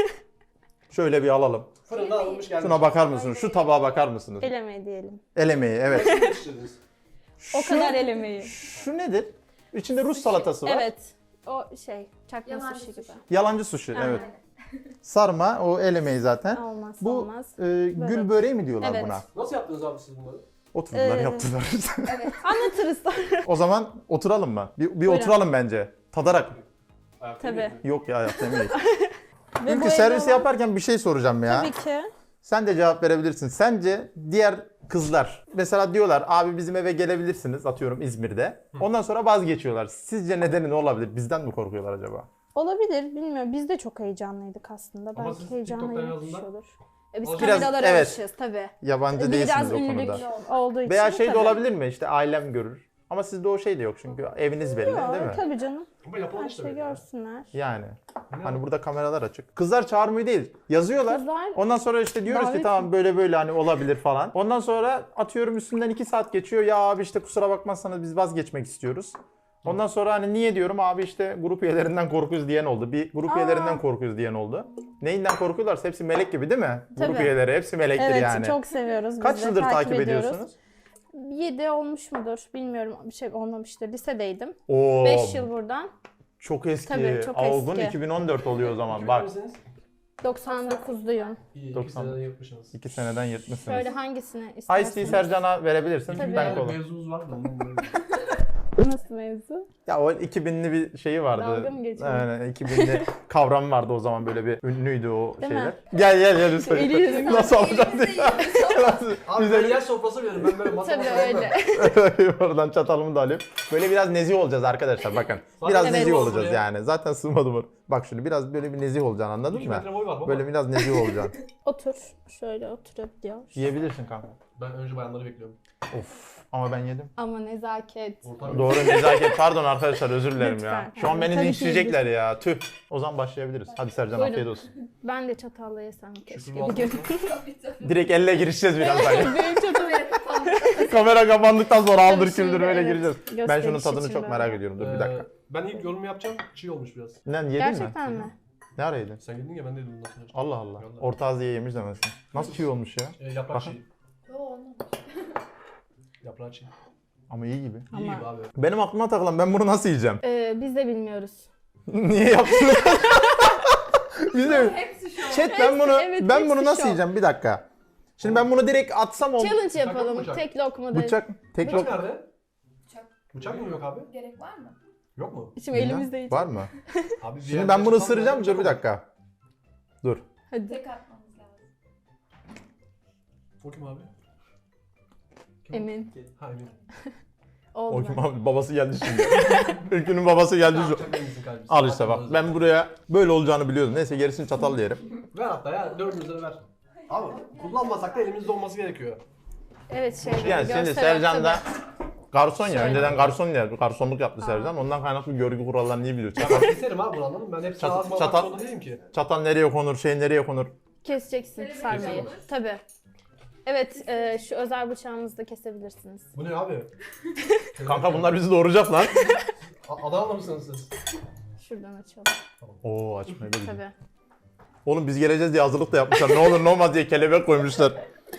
[SPEAKER 1] Şöyle bir alalım.
[SPEAKER 4] fırından alınmış gelmiş.
[SPEAKER 1] Şuna bakar mısınız? Şu tabağa bakar mısınız?
[SPEAKER 2] Elemeyi diyelim.
[SPEAKER 1] El emeği, evet.
[SPEAKER 4] Nasıl yetiştirdiniz?
[SPEAKER 2] O kadar elemeyi.
[SPEAKER 1] Şu nedir? İçinde Rus salatası var.
[SPEAKER 2] Evet. O şey, çakma
[SPEAKER 3] Yalancı
[SPEAKER 2] sushi gibi.
[SPEAKER 3] sushi.
[SPEAKER 1] Yalancı sushi,
[SPEAKER 2] Aynen.
[SPEAKER 1] evet. Sarma, o el emeği zaten.
[SPEAKER 2] Olmaz,
[SPEAKER 1] Bu
[SPEAKER 2] olmaz.
[SPEAKER 1] gül böreği mi diyorlar
[SPEAKER 2] Evet.
[SPEAKER 1] buna?
[SPEAKER 4] Nasıl yaptınız abi siz bunları?
[SPEAKER 1] Oturdular,
[SPEAKER 2] Ee,
[SPEAKER 1] yaptılar.
[SPEAKER 2] Anlatırız sonra.
[SPEAKER 1] O zaman oturalım mı? Bir
[SPEAKER 2] Buyurun.
[SPEAKER 1] oturalım bence. Tadarak.
[SPEAKER 4] Ayakta
[SPEAKER 2] Tabii.
[SPEAKER 4] yediniz mi?
[SPEAKER 1] Yok ya, yapmayayım.
[SPEAKER 2] Ve bu
[SPEAKER 1] Ülkü
[SPEAKER 2] evde
[SPEAKER 1] servisi
[SPEAKER 2] olan-
[SPEAKER 1] yaparken bir şey soracağım ya.
[SPEAKER 2] Tabii ki.
[SPEAKER 1] Sen de cevap verebilirsin. Sence diğer kızlar mesela diyorlar abi bizim eve gelebilirsiniz, atıyorum İzmir'de. Ondan sonra vazgeçiyorlar. Sizce nedeni ne olabilir? Bizden mi korkuyorlar acaba?
[SPEAKER 2] Olabilir, bilmiyorum. Biz de çok heyecanlıydık aslında.
[SPEAKER 4] Ama
[SPEAKER 2] Belki
[SPEAKER 4] siz
[SPEAKER 2] heyecanla
[SPEAKER 4] TikTok'tan
[SPEAKER 2] yapmış
[SPEAKER 4] yazdığında-
[SPEAKER 2] olur. Biz
[SPEAKER 4] Biraz-
[SPEAKER 2] kameralara
[SPEAKER 1] evet.
[SPEAKER 2] alışığız tabii.
[SPEAKER 1] Yabancı değilsiniz
[SPEAKER 2] Biraz
[SPEAKER 1] o
[SPEAKER 2] ünlülük
[SPEAKER 1] konuda.
[SPEAKER 2] olduğu için
[SPEAKER 1] Veya şey de
[SPEAKER 2] tabii.
[SPEAKER 1] olabilir mi? İşte ailem görür. Ama sizde o şey de yok çünkü eviniz belli,
[SPEAKER 2] Yok,
[SPEAKER 1] değil mi?
[SPEAKER 2] tabii canım.
[SPEAKER 4] Ama yapılan
[SPEAKER 2] Her
[SPEAKER 4] işte
[SPEAKER 2] şey
[SPEAKER 4] böyle.
[SPEAKER 2] görsünler.
[SPEAKER 1] Yani.
[SPEAKER 4] Ne
[SPEAKER 1] Hani
[SPEAKER 4] var?
[SPEAKER 1] burada kameralar açık. Kızlar çağırmıyor değil. Yazıyorlar.
[SPEAKER 2] Kızlar
[SPEAKER 1] Ondan sonra işte diyoruz ki
[SPEAKER 2] davet
[SPEAKER 1] tamam böyle hani olabilir falan. Ondan sonra atıyorum üstünden 2 saat geçiyor. Ya abi işte kusura bakmazsanız biz vazgeçmek istiyoruz. Ondan sonra hani niye diyorum abi işte grup üyelerinden korkuyoruz diyen oldu. Bir grup üyelerinden korkuyoruz diyen oldu. Neyinden korkuyorlarsa hepsi melek gibi değil mi? Grup
[SPEAKER 2] Tabii.
[SPEAKER 1] üyeleri hepsi melektir
[SPEAKER 2] evet
[SPEAKER 1] yani.
[SPEAKER 2] çok seviyoruz biz
[SPEAKER 1] Kaç
[SPEAKER 2] de,
[SPEAKER 1] yıldır takip
[SPEAKER 2] ediyoruz.
[SPEAKER 1] ediyorsunuz?
[SPEAKER 2] 7 olmuş mudur bilmiyorum, bir şey olmamıştır. Lisedeydim.
[SPEAKER 1] Oo,
[SPEAKER 2] 5 yıl buradan.
[SPEAKER 1] çok eski.
[SPEAKER 2] Tabii, çok
[SPEAKER 1] Avgun
[SPEAKER 2] eski.
[SPEAKER 1] 2014 oluyor o zaman.
[SPEAKER 4] Kimin
[SPEAKER 1] Bak
[SPEAKER 4] misiniz?
[SPEAKER 2] 99'luyum.
[SPEAKER 4] İyi,
[SPEAKER 1] 90.
[SPEAKER 4] 2 seneden yırtmışsınız.
[SPEAKER 1] 2 seneden yırtmışsınız.
[SPEAKER 2] Şöyle hangisini
[SPEAKER 1] Ice
[SPEAKER 2] istersiniz?
[SPEAKER 1] Tea Sercan'a verebilirsin.
[SPEAKER 2] Tabii.
[SPEAKER 1] Ben
[SPEAKER 4] Bir
[SPEAKER 1] kola.
[SPEAKER 4] mevzumuz var da ondan böyle.
[SPEAKER 2] Nasıl mevzu?
[SPEAKER 1] Ya o 2000'li bir şeyi vardı.
[SPEAKER 2] Dalga mı geçiyorsun?
[SPEAKER 1] Yani 2000'li kavram vardı o zaman, böyle bir ünlüydü o
[SPEAKER 2] Değil mi?
[SPEAKER 1] şeyler. Gel lütfen.
[SPEAKER 2] Eli yüzü.
[SPEAKER 1] Nasıl alacağız diye.
[SPEAKER 4] Abi
[SPEAKER 1] Bize-
[SPEAKER 4] ben yer sofrası veririm. Ben böyle masa
[SPEAKER 2] Tabii
[SPEAKER 4] masa
[SPEAKER 2] öyle.
[SPEAKER 1] Oradan çatalımı da alayım. Böyle biraz nezih olacağız arkadaşlar bakın. Biraz
[SPEAKER 2] Evet.
[SPEAKER 1] nezih
[SPEAKER 4] Sığmaz
[SPEAKER 1] olacağız
[SPEAKER 4] buraya.
[SPEAKER 1] yani. Zaten sığmadı mı? Bak şimdi biraz böyle bir nezih olacaksın, anladın
[SPEAKER 4] 2
[SPEAKER 1] mı?
[SPEAKER 4] metre boy var baba.
[SPEAKER 1] Böyle biraz nezih olacaksın.
[SPEAKER 2] Otur. Şöyle oturabiliyor.
[SPEAKER 1] Yiyebilirsin kanka.
[SPEAKER 4] Ben önce bayanları bekliyorum.
[SPEAKER 1] Of ama ben yedim.
[SPEAKER 2] Ama nezaket.
[SPEAKER 4] Ortam
[SPEAKER 1] Doğru, nezaket. Pardon arkadaşlar, özür dilerim ya.
[SPEAKER 2] Lütfen.
[SPEAKER 1] Şu an beni
[SPEAKER 2] Tabii ki
[SPEAKER 1] linçleyecekler ya. Tüh. O zaman başlayabiliriz. Hadi Sercan,
[SPEAKER 2] Buyurun.
[SPEAKER 1] afiyet olsun.
[SPEAKER 2] Ben de çatalla yesem keşke
[SPEAKER 4] Şükür
[SPEAKER 2] bir
[SPEAKER 4] olsun.
[SPEAKER 2] gün.
[SPEAKER 1] Direkt elle girişeceğiz birazdan.
[SPEAKER 2] Benim çatal
[SPEAKER 1] Kamera kapandıktan sonra aldır
[SPEAKER 2] Tabii
[SPEAKER 1] küldür
[SPEAKER 2] şimdi,
[SPEAKER 1] böyle
[SPEAKER 2] evet.
[SPEAKER 1] gireceğiz. Ben şunun
[SPEAKER 2] Gösteriş
[SPEAKER 1] tadını
[SPEAKER 2] için
[SPEAKER 1] çok
[SPEAKER 2] böyle.
[SPEAKER 1] merak ediyorum. Dur bir dakika.
[SPEAKER 4] Ben ilk yorum yapacağım. Çiğ olmuş biraz.
[SPEAKER 1] Ne yedin mi?
[SPEAKER 2] Gerçekten mi?
[SPEAKER 1] Ne ara yedin?
[SPEAKER 4] Sen yedin ya ben de yedim bundan sonra.
[SPEAKER 1] Allah Allah.
[SPEAKER 4] Vallahi.
[SPEAKER 1] Orta Aziye yemiş demesin. Nasıl çiğ olmuş ya?
[SPEAKER 4] Yaprak
[SPEAKER 1] Bakın.
[SPEAKER 4] çiğ.
[SPEAKER 3] Yo olmamış.
[SPEAKER 4] Yaprağı çiğ.
[SPEAKER 1] Ama iyi gibi.
[SPEAKER 4] İyi
[SPEAKER 2] Ama-
[SPEAKER 4] gibi abi.
[SPEAKER 1] Benim aklıma takılan, ben bunu nasıl yiyeceğim?
[SPEAKER 2] Biz de bilmiyoruz.
[SPEAKER 1] Niye yaptın? Biz de...
[SPEAKER 3] Hepsi şu an.
[SPEAKER 1] Chat ben bunu
[SPEAKER 2] evet,
[SPEAKER 1] ben
[SPEAKER 2] hepsi
[SPEAKER 1] bunu nasıl
[SPEAKER 2] şov.
[SPEAKER 1] yiyeceğim? Bir dakika. Şimdi ben bunu direkt atsam ol.
[SPEAKER 2] Challenge yapalım.
[SPEAKER 4] bıçak.
[SPEAKER 2] Tek lokmada.
[SPEAKER 1] Bıçak. Tek
[SPEAKER 4] Bıçak
[SPEAKER 1] lok.
[SPEAKER 4] nerede?
[SPEAKER 3] Bıçak.
[SPEAKER 4] Bıçak mı yok abi?
[SPEAKER 3] Gerek var mı?
[SPEAKER 4] Yok mu?
[SPEAKER 2] Şimdi elimizde yiyeceğiz.
[SPEAKER 1] Var mı?
[SPEAKER 4] Abi bir
[SPEAKER 1] Şimdi
[SPEAKER 4] yerde
[SPEAKER 1] ben bunu
[SPEAKER 4] çatal
[SPEAKER 1] ısıracağım.
[SPEAKER 4] bıçak
[SPEAKER 1] Dur bir
[SPEAKER 4] olur.
[SPEAKER 1] dakika. Dur.
[SPEAKER 2] Hadi.
[SPEAKER 3] Tek atmamız lazım.
[SPEAKER 4] O kim abi? Kim o?
[SPEAKER 2] Emin.
[SPEAKER 4] Ha Emin.
[SPEAKER 2] Oldu.
[SPEAKER 1] O kim abi? Babası geldi şimdi. Ülkünün babası geldi şu.
[SPEAKER 4] Bıçak benimsin kardeşim.
[SPEAKER 1] Al işte bak. Ben buraya böyle olacağını biliyordum. Neyse gerisini çatal yerim.
[SPEAKER 4] Ver hatta ya 400 lira ver. Abi kullanmasak da elimizde olması gerekiyor.
[SPEAKER 2] Evet şey.
[SPEAKER 1] Yani şimdi
[SPEAKER 2] göster
[SPEAKER 1] Sercan da
[SPEAKER 2] tabii.
[SPEAKER 1] garson ya.
[SPEAKER 2] Şöyle.
[SPEAKER 1] Önceden garsonluk yaptı Sercan. Ondan kaynaklı görgü kurallarını iyi biliyor.
[SPEAKER 4] Ya
[SPEAKER 1] Çatal,
[SPEAKER 4] ben keserim abi bunu anladın mı? Ben hepsini
[SPEAKER 1] Çatal-
[SPEAKER 4] ağzıma
[SPEAKER 1] çatal-
[SPEAKER 4] almak zorunda değilim ki.
[SPEAKER 1] çatal nereye konur, şey nereye konur.
[SPEAKER 2] Keseceksin sarmayı.
[SPEAKER 3] olur.
[SPEAKER 2] Tabii. Evet şu özel bıçağımızı da kesebilirsiniz.
[SPEAKER 4] Bu ne abi?
[SPEAKER 1] Kanka bunlar bizi doğuracak lan.
[SPEAKER 4] Adanalı mısınız siz?
[SPEAKER 2] Şuradan açalım.
[SPEAKER 1] Oo açmayı da
[SPEAKER 2] Tabii.
[SPEAKER 1] Oğlum biz geleceğiz diye hazırlık da yapmışlar. Ne olur ne olmaz diye kelebek koymuşlar.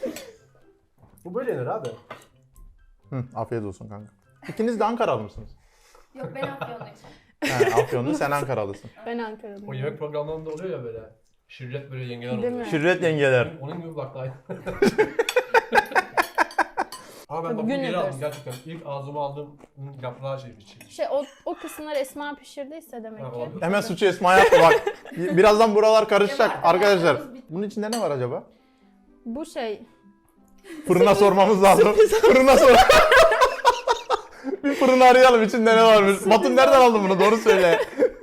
[SPEAKER 4] Bu böyle yenir abi.
[SPEAKER 1] Hı, afiyet olsun kanka. İkiniz de Ankaralı mısınız?
[SPEAKER 3] Yok ben Afyonluyum.
[SPEAKER 1] He, Afyonlu, sen Ankaralısın.
[SPEAKER 2] Ben Ankara'lıyım.
[SPEAKER 4] O yemek programlarında oluyor ya böyle. Şirret böyle yengeler
[SPEAKER 2] Değil
[SPEAKER 4] oluyor.
[SPEAKER 2] mi?
[SPEAKER 1] Şirret yengeler.
[SPEAKER 4] Onun gibi bak da aynı. Ama ben
[SPEAKER 2] Tabii,
[SPEAKER 4] bak bu
[SPEAKER 2] gün
[SPEAKER 4] geri aldım
[SPEAKER 2] yapıyoruz.
[SPEAKER 4] gerçekten. İlk ağzıma aldığım yaprağı şeymiş.
[SPEAKER 2] Şey o kısımları Esma pişirdiyse demek
[SPEAKER 4] Ha,
[SPEAKER 2] ki.
[SPEAKER 4] olabilir.
[SPEAKER 1] Hemen suçu Esma yaptı bak. Birazdan buralar karışacak
[SPEAKER 3] Kemal,
[SPEAKER 1] arkadaşlar.
[SPEAKER 3] ayağımız bitti.
[SPEAKER 1] Bunun içinde ne var acaba?
[SPEAKER 2] Bu şey
[SPEAKER 1] Fırına sormamız lazım. Fırına sor. Bir fırını arayalım içinde ne varmış. Batın nereden aldın bunu? Doğru söyle.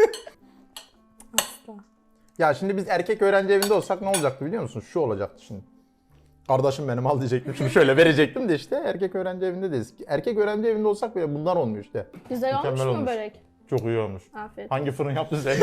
[SPEAKER 2] asla.
[SPEAKER 1] Ya şimdi biz erkek öğrenci evinde olsak ne olacaktı biliyor musun? Şu olacaktı şimdi. Kardeşim benim al diyecektim. Şimdi şöyle verecektim de işte erkek öğrenci evindeyiz. Erkek öğrenci evinde olsak bile bunlar olmuyor işte.
[SPEAKER 2] Güzel olmuş
[SPEAKER 1] Mükemmel
[SPEAKER 2] mu
[SPEAKER 1] olmuş.
[SPEAKER 2] börek?
[SPEAKER 1] Çok iyi olmuş.
[SPEAKER 2] Afiyet.
[SPEAKER 1] Hangi fırın yaptı sen?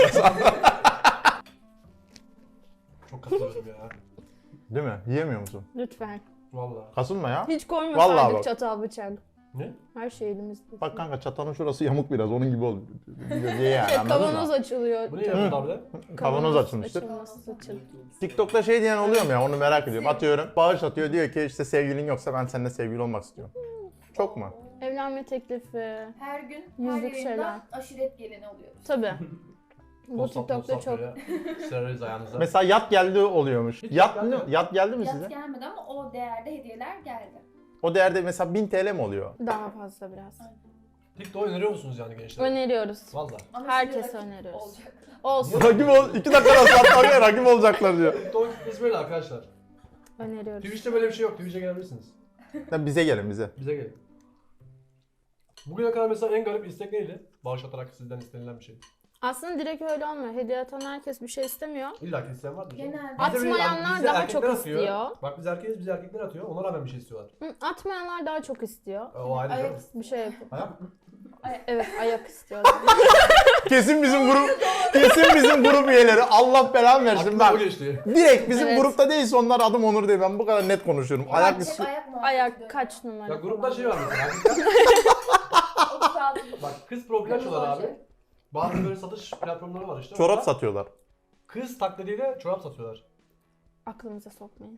[SPEAKER 4] Çok katılıyorum ya.
[SPEAKER 1] Değil mi? Yiyemiyor musun?
[SPEAKER 2] Lütfen.
[SPEAKER 4] Vallahi.
[SPEAKER 1] Kasılma ya.
[SPEAKER 2] Hiç
[SPEAKER 1] Vallahi
[SPEAKER 2] koymasaydık
[SPEAKER 1] bak.
[SPEAKER 2] çatal bıçak.
[SPEAKER 4] Ne?
[SPEAKER 2] Her şey elimizde.
[SPEAKER 1] Bak kanka çatanın şurası yamuk biraz onun gibi oldu. Diye yani
[SPEAKER 2] Şey,
[SPEAKER 1] anladın
[SPEAKER 2] kavanoz
[SPEAKER 1] mı?
[SPEAKER 2] açılıyor.
[SPEAKER 4] Bu ne yapıyorsun abi de?
[SPEAKER 1] Kavanoz açılmıştır.
[SPEAKER 2] Açılması açıl.
[SPEAKER 1] TikTok'ta şey diyen oluyor mu ya onu merak ediyorum. Atıyorum bağış atıyor diyor ki işte sevgilin yoksa ben seninle sevgili olmak istiyorum. Çok mu?
[SPEAKER 2] Evlenme teklifi.
[SPEAKER 3] Her gün
[SPEAKER 2] Yüzlük
[SPEAKER 3] her
[SPEAKER 2] şeyler.
[SPEAKER 3] yayından aşiret gelini oluyoruz.
[SPEAKER 2] Tabii. Bu
[SPEAKER 4] Post
[SPEAKER 2] TikTok'ta çok.
[SPEAKER 4] Sereriz ayağınıza.
[SPEAKER 1] Mesela yat geldi oluyormuş.
[SPEAKER 4] Hiç
[SPEAKER 1] Yat
[SPEAKER 4] geldi
[SPEAKER 1] ne?
[SPEAKER 4] mi?
[SPEAKER 1] Yat geldi mi
[SPEAKER 3] Yat
[SPEAKER 1] size?
[SPEAKER 3] gelmedi ama o değerde hediyeler geldi.
[SPEAKER 1] O değerde mesela 1000 TL mi oluyor?
[SPEAKER 2] Daha fazla biraz.
[SPEAKER 4] TikTok öneriyor musunuz yani gençler?
[SPEAKER 2] Öneriyoruz.
[SPEAKER 4] Valla.
[SPEAKER 3] Ama
[SPEAKER 2] Herkese
[SPEAKER 3] şimdi rakip
[SPEAKER 2] öneriyoruz.
[SPEAKER 3] olacak.
[SPEAKER 2] Olsun.
[SPEAKER 1] Rakip ol. 2 dakikada satlar rakip olacaklar diyor.
[SPEAKER 4] TikTok kitlesi böyle arkadaşlar.
[SPEAKER 2] Öneriyoruz.
[SPEAKER 4] Twitch'te böyle bir şey yok. Twitch'e gelebilirsiniz.
[SPEAKER 1] Ya bize gelin bize.
[SPEAKER 4] Bize gelin. Bugüne kadar mesela en garip istek neydi? Bağış atarak sizden istenilen bir şey.
[SPEAKER 2] Aslında direkt öyle olmuyor. Hediye atan herkes bir şey istemiyor.
[SPEAKER 4] İlla ki isteyen vardır. canım.
[SPEAKER 3] Genelde.
[SPEAKER 4] Bizde böyle-
[SPEAKER 2] Atmayanlar
[SPEAKER 4] bizde
[SPEAKER 2] daha
[SPEAKER 4] erkekler
[SPEAKER 2] çok
[SPEAKER 4] atıyor.
[SPEAKER 2] istiyor.
[SPEAKER 4] Bak biz erkeğiz, biz erkekler atıyor. Ona rağmen bir şey istiyorlar.
[SPEAKER 2] Atmayanlar daha çok istiyor.
[SPEAKER 4] O ayrı
[SPEAKER 3] Ayak
[SPEAKER 4] canım.
[SPEAKER 2] Bir şey yapıp.
[SPEAKER 4] Ayak.
[SPEAKER 2] Evet, ayak istiyorlar.
[SPEAKER 1] Kesin bizim grup üyeleri. Allah belanı versin
[SPEAKER 4] Aklımda o
[SPEAKER 1] bak.
[SPEAKER 4] geçti.
[SPEAKER 1] Direkt bizim
[SPEAKER 2] Evet.
[SPEAKER 1] grupta değilse onlar adım Onur diye ben bu kadar net konuşuyorum. Ayak
[SPEAKER 3] Hep
[SPEAKER 1] istiyor.
[SPEAKER 3] ayak muhabbeti
[SPEAKER 2] Ayak
[SPEAKER 3] dönüyor.
[SPEAKER 2] kaç numara?
[SPEAKER 4] Ya grupta şey var mesela.
[SPEAKER 3] O kağıdı-
[SPEAKER 4] Bak kız profil açıyorlar abi.
[SPEAKER 3] Kırmızı
[SPEAKER 4] Bazı böyle satış platformları var işte.
[SPEAKER 1] Çorap
[SPEAKER 4] Orada
[SPEAKER 1] satıyorlar.
[SPEAKER 4] Kız taklidiyle çorap satıyorlar.
[SPEAKER 2] Aklımıza sokmayın.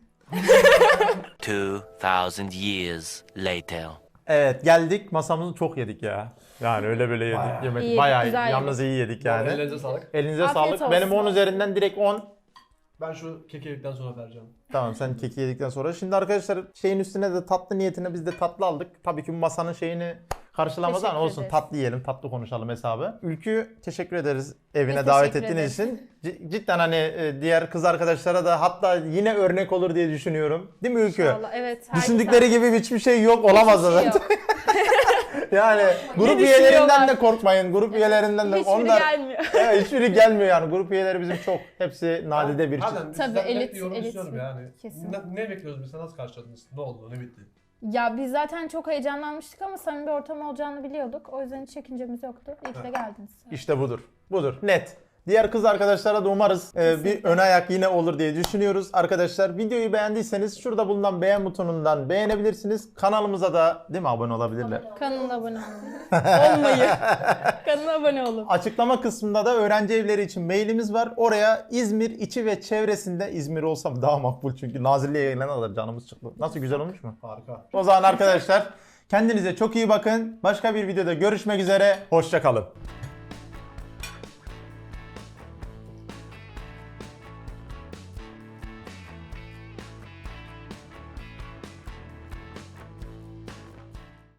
[SPEAKER 5] 2,000 years later.
[SPEAKER 1] Evet geldik masamızı çok yedik ya. Yani öyle böyle yedik.
[SPEAKER 4] Bayağı.
[SPEAKER 1] Yemek
[SPEAKER 2] İyi,
[SPEAKER 1] bayağı
[SPEAKER 2] güzel
[SPEAKER 1] yalnız iyi yedik yani.
[SPEAKER 4] Ellerinize sağlık.
[SPEAKER 1] Elinize
[SPEAKER 2] Afiyet
[SPEAKER 1] sağlık.
[SPEAKER 2] olsun.
[SPEAKER 1] Benim 10 üzerinden direkt 10.
[SPEAKER 4] Ben şu keki yedikten sonra vereceğim.
[SPEAKER 1] Tamam sen keki yedikten sonra. Şimdi arkadaşlar şeyin üstüne de tatlı niyetine biz de tatlı aldık. Tabii ki bu masanın şeyini karşılamaz ama
[SPEAKER 2] Teşekkür
[SPEAKER 1] olsun
[SPEAKER 2] ederiz.
[SPEAKER 1] tatlı yiyelim, tatlı konuşalım hesabı. Ülkü teşekkür ederiz evine
[SPEAKER 2] Biz
[SPEAKER 1] davet
[SPEAKER 2] teşekkür
[SPEAKER 1] ettiğiniz
[SPEAKER 2] ederiz.
[SPEAKER 1] için. Cidden hani diğer kız arkadaşlara da hatta yine örnek olur diye düşünüyorum. Değil mi Ülkü?
[SPEAKER 2] İnşallah. Evet. herkes
[SPEAKER 1] Düşündükleri gibi hiçbir şey yok olamaz
[SPEAKER 2] Hiçbir şey
[SPEAKER 1] zaten.
[SPEAKER 2] yok.
[SPEAKER 1] Yani grup
[SPEAKER 2] düşünüyorlar?
[SPEAKER 1] üyelerinden de korkmayın. Grup üyelerinden de
[SPEAKER 2] Hiçbiri
[SPEAKER 1] onlar
[SPEAKER 2] gelmiyor.
[SPEAKER 1] evet, hiçbiri gelmiyor yani. Grup üyeleri bizim çok. Hepsi nadide bir çift.
[SPEAKER 4] Harbiden biz
[SPEAKER 2] Tabii,
[SPEAKER 4] sizden net
[SPEAKER 2] elit-
[SPEAKER 4] bir yorum
[SPEAKER 2] elit
[SPEAKER 4] istiyorum
[SPEAKER 2] bir-
[SPEAKER 4] yani.
[SPEAKER 2] kesin.
[SPEAKER 4] Ne bekliyoruz biz? Nasıl karşıladınız? Ne oldu? Ne bitti?
[SPEAKER 2] Ya biz zaten çok heyecanlanmıştık ama samimi bir ortam olacağını biliyorduk. O yüzden hiç çekincemiz yoktu. İyi ki de geldiniz.
[SPEAKER 1] İşte budur. Budur. Net. Diğer kız arkadaşlara da umarız bir ön ayak yine olur diye düşünüyoruz. Arkadaşlar videoyu beğendiyseniz şurada bulunan beğen butonundan beğenebilirsiniz. Kanalımıza da değil mi abone olabilirler.
[SPEAKER 2] Kanala abone olun. Olmayı. Kanala abone olun.
[SPEAKER 1] Açıklama kısmında da öğrenci evleri için mailimiz var. Oraya İzmir içi ve çevresinde İzmir olsam daha makbul çünkü Nazilli'ye yayınlanırlar canımız çıktı. Nasıl güzel olmuş mu?
[SPEAKER 4] Harika.
[SPEAKER 1] O zaman arkadaşlar kendinize çok iyi bakın. Başka bir videoda görüşmek üzere. Hoşça kalın.